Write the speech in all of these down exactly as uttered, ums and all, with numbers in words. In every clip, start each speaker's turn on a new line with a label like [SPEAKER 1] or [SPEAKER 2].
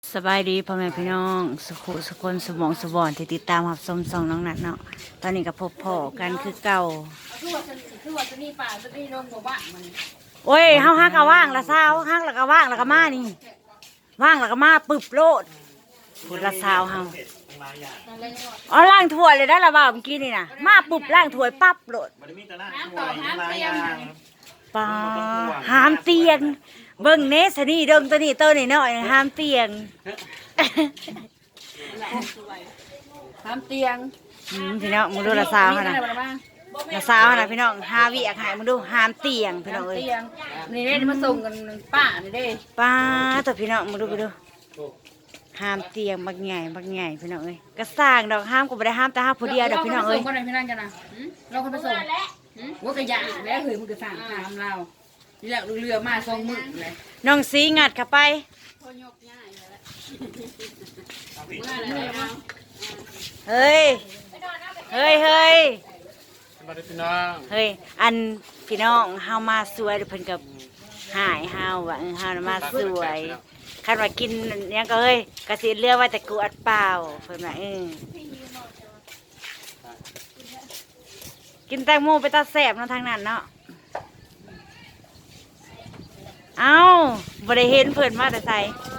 [SPEAKER 1] สบายดีพ่อแม่พี่น้องสุขุสุคนสมองสบอนที่ติดตามหับสมสองน้องนัดเนาะตอนนี้ก็พบพ่อกันคือเก่า
[SPEAKER 2] คือว่าฉันคือว่าฉันนี่ป่าฉันนี่นมบ่บ้านมัน
[SPEAKER 1] โอ้ยเฮาฮักก็ว่างละสาวฮักแล้วก็ว่างแล้วก็มานี่ว่างแล้วก็มาปึบโลดพูดละสาวเฮาอ๋อล้างถ้วยเลยได้ละบ่าวเมื่อกี้นี่น่ะมาปึบล้างถ้วยปั๊บโลด
[SPEAKER 3] มันมีแต่ละหน่วยมาอย่าง
[SPEAKER 1] ปาหามเตียงเบิ่งเนสนี่เดิงตัวนี้ตัวนี้น้อยหามเตียง
[SPEAKER 2] ทำเตียง
[SPEAKER 1] อืมพี่น้องมึงดูละสาวเขานะละสาวเขานะพี่น้องหาวิอยากหายมึงดูหามเตียงพี่น้องเอ้ย
[SPEAKER 2] เตียงนี่ได้มาส่งกันป้านี่ได้
[SPEAKER 1] ป้าตัวพี่น้องมึงดูไปดูหามเตียงบักใหญ่บักใหญ่พี่น้องเอ้ยก็สร้างดอกห้ามก็ไม่ได้ห้ามแต่ห้ามผู้เดียวดอกพี่น้องเอ้ย
[SPEAKER 2] คนไหนพี่นั่นกันนะเราคนไปส่งว่ากระยาแล้วเฮ้ยมึงก็สั่งทำเรานี่แหละเรือมาส่งมึงเลย
[SPEAKER 1] น้องสีงัดเข้าไปเฮ้ยเฮ้ยเฮ้ย
[SPEAKER 3] มาดูพี่น้อง
[SPEAKER 1] เฮ้ยอันพี่น้องเฮามาสวยเพิ่นกับหายเฮาว่าเออเฮาน่ะมาสวยคันว่ากินหยังก็เฮ้ยกะสิเลือกว่าแต่กูอัดเปล่าเพิ่นว่าเออกินแตงโมไปตาแสบเนาะทางนั้นเนาะเอ้าบ่ได้เห็นเพิ่นมาแต่ไส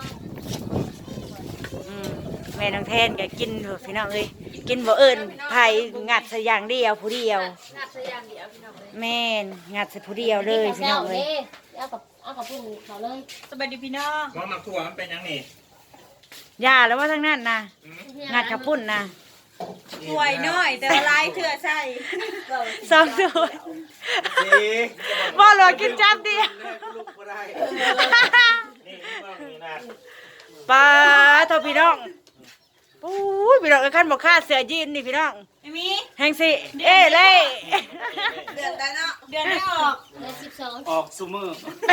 [SPEAKER 1] อืมแม่น้องแทนก็กินเถอะพี่น้องเอ้ยกินบ่เอิ้นไผงัดซะอย่างเดียวผู้เดียว
[SPEAKER 2] งัดเสียงเดียวพี่น้องเลย
[SPEAKER 1] แม่นงัดใส่ผู้เดียวเลยพี่น้องเลย
[SPEAKER 2] เอากับเอากับพุ่นเขาเลย
[SPEAKER 1] สบายดีพี่น้อง
[SPEAKER 3] ว่าหมักถั่วมันเป็นยังนี่
[SPEAKER 1] ยาแล้วว่าทั้งนั้นนะงัดกระปุ่นนะ
[SPEAKER 4] ป่วยน้อยแต่ว่าลายเถื่อใส่
[SPEAKER 1] สองตัว
[SPEAKER 3] สี
[SPEAKER 1] บ่หลวกินจับเดียว
[SPEAKER 3] ลูกก็ได้นี่พี่น้องนี่นะ
[SPEAKER 1] ปลาโทพี่น้องปุ้ยพี่น้องเอ้ยขั้นบอกค่าเสือยีนนี่พี่น้อง
[SPEAKER 4] ไม่มี
[SPEAKER 1] แหงสิเอ้เล่
[SPEAKER 4] เดือนได้เนาะเดือนไม่ออก
[SPEAKER 2] เดือนสิบสอง
[SPEAKER 3] ออกซูมือ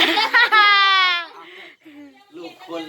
[SPEAKER 3] ลูกคน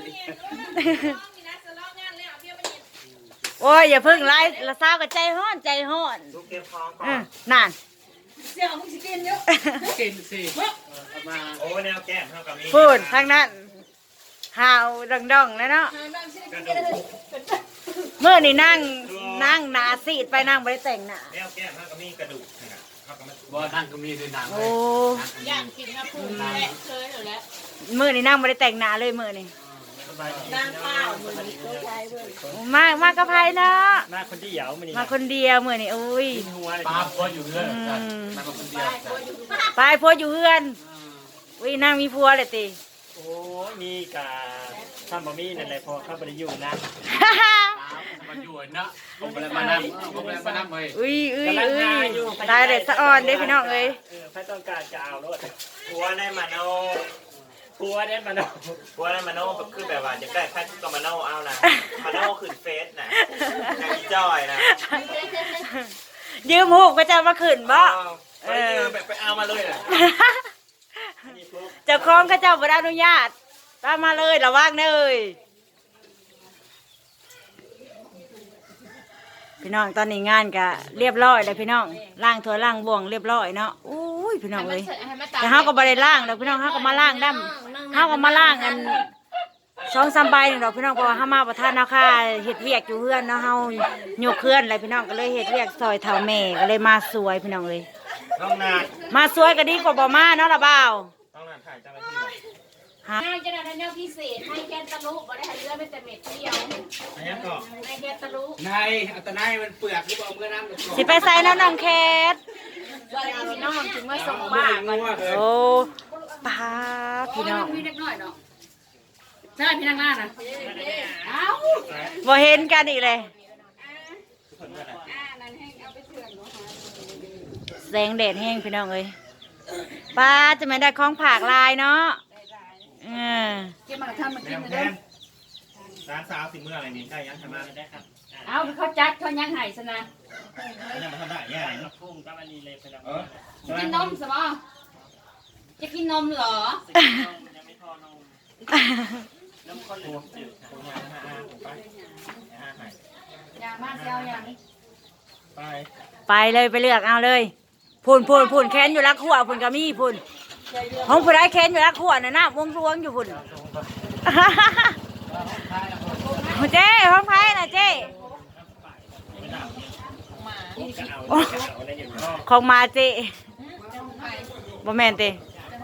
[SPEAKER 1] โอ้ยอย่าเพิ่งไล่ละสาวกับใจห้อนใจห้อน
[SPEAKER 3] ลูกเก็บของก่อ
[SPEAKER 1] เอน อนั่น
[SPEAKER 4] เสี่ยวมึงสิกินเยอะ
[SPEAKER 3] กินสิเอามาโอ้แนวแก้มเท่ากับนี้
[SPEAKER 1] พูดทางนั้นหาวดองๆแล้วเนาะ
[SPEAKER 3] กระดูก
[SPEAKER 1] เมื่อนี่นั่งนั่งหนาซีดไปนั่งไม่ได้แต่งหน้า
[SPEAKER 3] แนวแก้มเท่ากับนี้กระดูกนะเท่ากับมันบ่นั่งก็มีด้วยหนัง
[SPEAKER 1] โอ้
[SPEAKER 2] ย่างกินนะพุ่นแหละเคยอยู่แล้ว
[SPEAKER 1] มื่อนี่นั่งไม่ได้แต่งหน้าเลยมื่อนี่
[SPEAKER 3] สบายดี
[SPEAKER 4] นางเปล่าเหมือนตัวไทยเว้ย
[SPEAKER 1] มากมากกระไพเนาะ
[SPEAKER 3] มาคนที่เหยามันนี่
[SPEAKER 1] มาคนเดียวมื่อนี่อุ้ย
[SPEAKER 3] หัวปลาพัวอยู่เรื่อยมาคนเดียว
[SPEAKER 1] ไปพัวอยู่เพื่อนอุ้ยนั่งมีพัวเลยติ
[SPEAKER 5] โอ้มีกาทำบะมี่นั่นแหละพอเข้าไปอยู่นะ
[SPEAKER 3] มาอยู่เนาะผมอะไรมานั่งผมอะไรมานั่งเลย
[SPEAKER 1] อุ้ยอุ้ยอุ้ยตายเลยสะอ่อนเด้พี่น้องเอ้ย
[SPEAKER 5] เออพระต้องการจะเอารถ
[SPEAKER 3] หัวในมาโน
[SPEAKER 5] กลัวเนี่ยมันเอา
[SPEAKER 3] หัวในมาโนแบบคือแบบว่าจะได้แค่ก็มาโนเอานะมาโนขึ้นเฟซนะนางจอยนะ
[SPEAKER 1] ยืมหูกก็จะมาขึ้นบ่
[SPEAKER 3] เออแบบไปเอามาเลยนะ
[SPEAKER 1] เจ้าของก็เจ้าบ่ได้อนุญาตตามมาเลยระวังเลยพี่น้องตอนนี้งานก็เรียบร้อยเลยพี่น้องล้างถ้วยล้างบ่วงเรียบร้อยเนาะอุ้ยพี่น้องเอ้ยแต่เฮาก็บ่ได้ล้างดอกพี่น้องเฮาก็มาล้างดํเฮาก็มาล้างอันสองสามใบนี่ดอกพี่น้องเพราะว่าเฮามาประทานเนาะค่ะเฮ็ดเวียกอยู่เฮือนเนาะเฮายกเฮือนอะไรพี่น้องก็เลยเฮ็ดเวียกซอยเฒ่าแม่ก็เลยมาสวยพี่น้องเอ้ย
[SPEAKER 3] น้องนา
[SPEAKER 1] มาสวยก็ดีกว่าบ่มาเนาะล่ะบ่าว
[SPEAKER 3] น้องนาถ่ายเจ้าหน้าที่หน่อย
[SPEAKER 1] ฮะ
[SPEAKER 2] ให้จะได้แนวพิเศษให้แกนตะลุบ่ได้ให้เรือเป็นแต่เม็ดเดียว
[SPEAKER 3] อันนี้ก่อน
[SPEAKER 2] ให้แกนตะลุ
[SPEAKER 3] นายอัตนายมันเปลือกหรือเปล่าเมื่อน้ำ
[SPEAKER 1] สิไปใส่น้ำน้ำแคท
[SPEAKER 2] พี่น้องถึงมาส่งบ้าน
[SPEAKER 3] งัวเลย
[SPEAKER 1] โอ้ป้าพี่น้อง
[SPEAKER 2] มีเล็กน้อยเนาะใช่พี่นางล่านะเอ้า
[SPEAKER 1] บ่เห็นกันอีกเลยแสงแดดแห้งพี่น้องเอ้ยป้าจะไม่ได้ของผากลายเนาะเออ
[SPEAKER 2] เก็บมาทำมา
[SPEAKER 3] แม
[SPEAKER 2] กิน
[SPEAKER 3] ว
[SPEAKER 2] เลย
[SPEAKER 3] แมนร้านสาวสิเมื่ออะไรนี่ได้ยังทำมาได้ครับ
[SPEAKER 2] เอาเขาจัดเขายังไห้ซะนะ
[SPEAKER 3] ยังมาทำได้ยังไง
[SPEAKER 5] พุ่งกับอันนี้เลยพนัก
[SPEAKER 3] เออ
[SPEAKER 2] กินนมสบอจะกินนมเหรอ
[SPEAKER 5] ยังไม่พอนมน้ำข้นหรือน้ำจืด
[SPEAKER 3] ผมงานห้าห้าผมไปห้าหาย
[SPEAKER 2] อย่างมากเจ้าอย่างนี้
[SPEAKER 3] ไป
[SPEAKER 1] ไปเลยไปเลือกเอาเลยพูนพูนพูนแค้นอยู่รักขัวพูนก็มีพูนห้องผู้ใดแค้นอยู่รักขัวน่ะนะวงรวงอยู่พูนเจ้ห้องไพ่น่ะเจ้โอ้ของมาเจ้บ่แม่นเจ้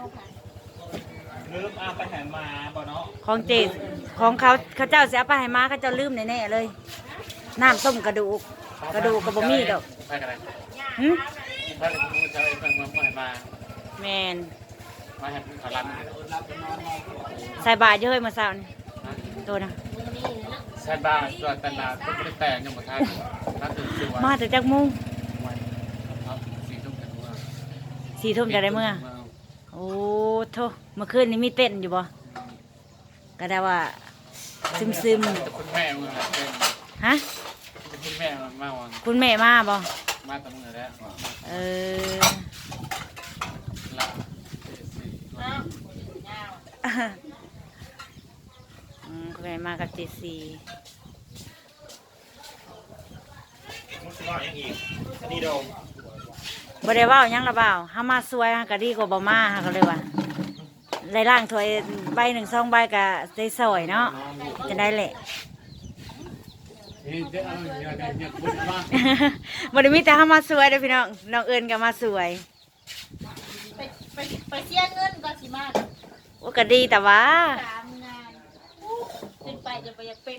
[SPEAKER 5] ลืมเอาไปหันมาบ่เนาะ
[SPEAKER 1] ของเจของเขาเขาเจ้าเสียไปให้มาเขาเจ้าลืมแน่ๆเลยน้ำต้มกระดูกกระดูกกับบะหมี่ดอก
[SPEAKER 6] ไปกันเลย
[SPEAKER 1] หึ
[SPEAKER 6] ไปกันมึงจะไปเพิ่งมามา
[SPEAKER 1] แมน
[SPEAKER 6] มาให้ขลัน
[SPEAKER 1] ใส่บาตรเยอะมาเช้านี่ตัวนะ
[SPEAKER 6] ใช่บ้าตัวตลาดก็ไม่ได้แต่งยังหมดท่านน่าตื่นตัว
[SPEAKER 1] มาแต่จักโมุง
[SPEAKER 6] ครับสี่ทุ่มกันว่า
[SPEAKER 1] สี่ทุ่มจะได้เมื่อโอ้โธ่เมื่อคืนนี้มีเต้นอยู่บ่ก็ได้ว่าซึมซึม
[SPEAKER 6] คุณแม่มึงเป็น
[SPEAKER 1] ๆฮะ
[SPEAKER 6] เป็นคุณแม่มาวัน
[SPEAKER 1] คุณแม่มาบ่
[SPEAKER 6] มาแต่มึงแล้ว
[SPEAKER 1] เออ
[SPEAKER 6] ละ
[SPEAKER 1] อืมคุณแม่มากับเจซี
[SPEAKER 3] มุสลิมยังอีกอันนี้โดม
[SPEAKER 1] บ่ได้เว้าหยังละเปล่าเฮามาสวยฮะก็ดีกว่าบ่มาฮะก็เลยว่าได้ล่างถ้วยใบหนึ่งสองใบก็ได้สวยเนาะจะได้แหละ
[SPEAKER 6] นี่เดี๋ยวเดี๋ยวเดี๋ยวเดี๋ยวคุณมา
[SPEAKER 1] บ่ได้มีแต่เฮามาสวยเด้อพี่น้องน้องเอิญก็มาสวย
[SPEAKER 4] ไปไปไปเสียเงินก่อนสิมา
[SPEAKER 1] โอ้ก็ดีแต่ว่า
[SPEAKER 4] สามงานขึ้นไปจะไปอยากเป็น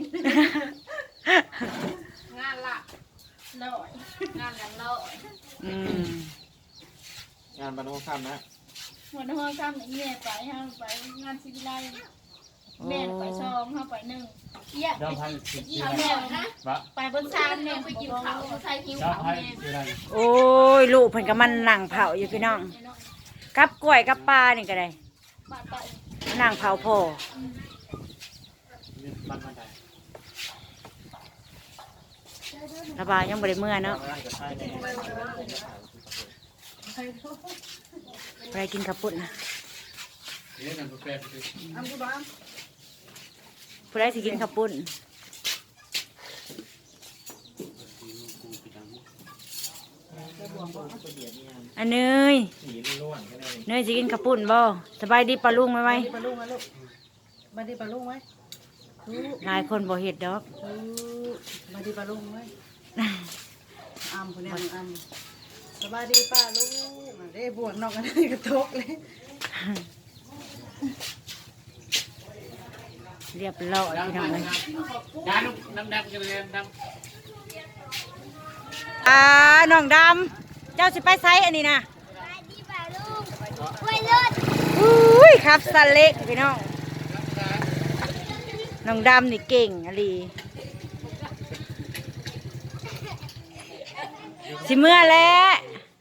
[SPEAKER 4] งานละลอยงานละลอย
[SPEAKER 1] อืม
[SPEAKER 6] งานบรรทุกข้ามนะ
[SPEAKER 4] หัวหน้าห้องทำอย่างนี้ไปห้าไปงานศิวิไลแม่ไปสองห้าไปหนึ่งเยี่ย
[SPEAKER 6] เจ้าพันสิบ
[SPEAKER 4] ยี่แม่นะ
[SPEAKER 6] วะ
[SPEAKER 4] ไปบนซานแม่ไปกินข้าวใส่หิว
[SPEAKER 6] เจ้า
[SPEAKER 4] ข้าว
[SPEAKER 6] พัน
[SPEAKER 4] แม่
[SPEAKER 6] สิบอะไร
[SPEAKER 1] โอ้ยลูกเพิ่นก็มันนั่งเผาอยู่พี่น้องกับกล้วยกับปลานี่ก็ได้
[SPEAKER 4] บาดไป
[SPEAKER 1] นั่งเผาพ่อ
[SPEAKER 6] บ้านบ้านใด
[SPEAKER 1] ระบายยังบ่ได้เมื่อเนาะ
[SPEAKER 3] ร่างจะใช่แน่
[SPEAKER 1] ไปกินข้าวปุ้นนะ
[SPEAKER 6] เดี๋ยวนั่นก็แปลไปสิ
[SPEAKER 1] ผู้ใดสิกินข้าวปุ้นอันเนย
[SPEAKER 3] สีล้วนๆก็ได้
[SPEAKER 1] เนยสิกินข้าวปุ้นบ่สบายดีปลาลุงไหมไหม
[SPEAKER 2] ปลาลูกไหมลูกมาดีปลาลูกไหม
[SPEAKER 1] หลายคนบ่เฮ็ดดอก
[SPEAKER 2] มาดีปลาลูกไหมอ้ำคนนี้อ้ำสบายดีป้าลูกได้บวกนอกกันได้กระทกเลย
[SPEAKER 1] เรียบร้อยพี่น้องเลย
[SPEAKER 6] ยาลูกน้ำดำกันเลยน้ำ
[SPEAKER 1] อ่าน้องดำเจ้าสิไปไซอันนี้นะอุ้ยครับสเล็กพี่น้องน้องดำนี่เก่งอะลีสิเมื่อแล้ว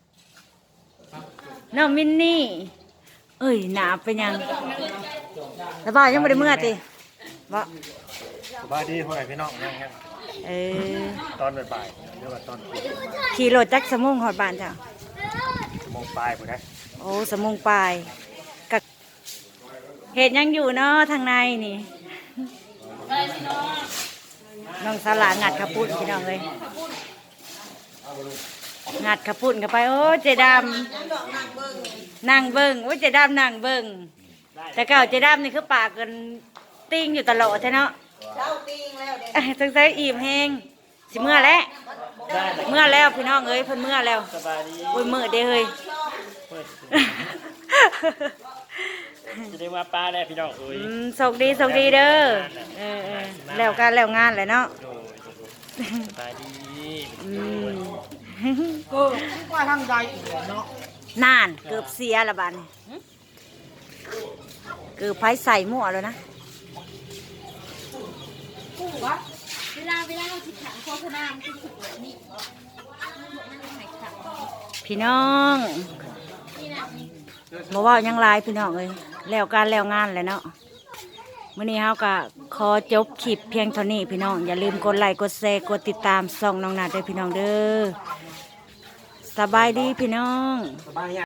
[SPEAKER 1] น้องมินนี่เอ้ยหนาเป็นยังแล้วบ้านยังไม่ได้เมื่อติบ่
[SPEAKER 3] สบายดีพ่อแม่พี่น้องนั่งกัน
[SPEAKER 1] เออ
[SPEAKER 3] ตอนบ่ายๆหรือว่าตอน
[SPEAKER 1] ขี่รถจักรสมุงหอดบ้านจ้ะ
[SPEAKER 3] ชั่วโมงปลายผมนะ
[SPEAKER 1] โอ้สมุงปลายกับเห็ดยังอยู่เนาะทางในนี่น้องสลางัดขับปุ่นพี่น้องเลยงัดขับปุ่นกันไปโอ้เจดำนั่งเบิ้งโอ้เจดำนั่งเบิ้งแต่เก่าเจดำนี่คือปากกันติ้งอยู่ตลอดใช่เนาะ
[SPEAKER 4] เช้าตีงแล้วเด็ก
[SPEAKER 1] เอ้ยตั้งใจอิ่มแหงสิเมื่อแล้วเมื่อแล้วพี่น้องเอ้ยเพิ่นเมื่อแล้ว
[SPEAKER 5] สบายดี
[SPEAKER 1] โอ้ยมือเด้เฮ้ย
[SPEAKER 5] เปิดจะได้ว่าป้าได้พี่น้องเอ้ย
[SPEAKER 1] อืมโชคดีโชคดีเด้อเออเออแล้วการแล้วงานแหละเนาะ
[SPEAKER 5] โดยสบายดี
[SPEAKER 1] อืม
[SPEAKER 2] ก็กว่าทางใดอีกเนาะ
[SPEAKER 1] นานเกือบเสียละบาดนเกือบไผใส่หมั่วแล้วนะ
[SPEAKER 4] เวลาเวลาเราติดขังโฆษณามันจะถูกแบบนี้
[SPEAKER 1] พี่น้อง
[SPEAKER 4] นี่นะนี่
[SPEAKER 1] บ่เว่าหยังหลายพี่น้องเอ้ยแล้วการแล้วงานแหละเนาะมื้อนี้เฮาก็ขอจบคลิปเพียงเท่านี้พี่น้องอย่าลืมกดไลค์กดแชร์กดติดตามช่องน้องนาดด้วยพี่น้องเด้อสบายดีพี่น้อง
[SPEAKER 3] สบาย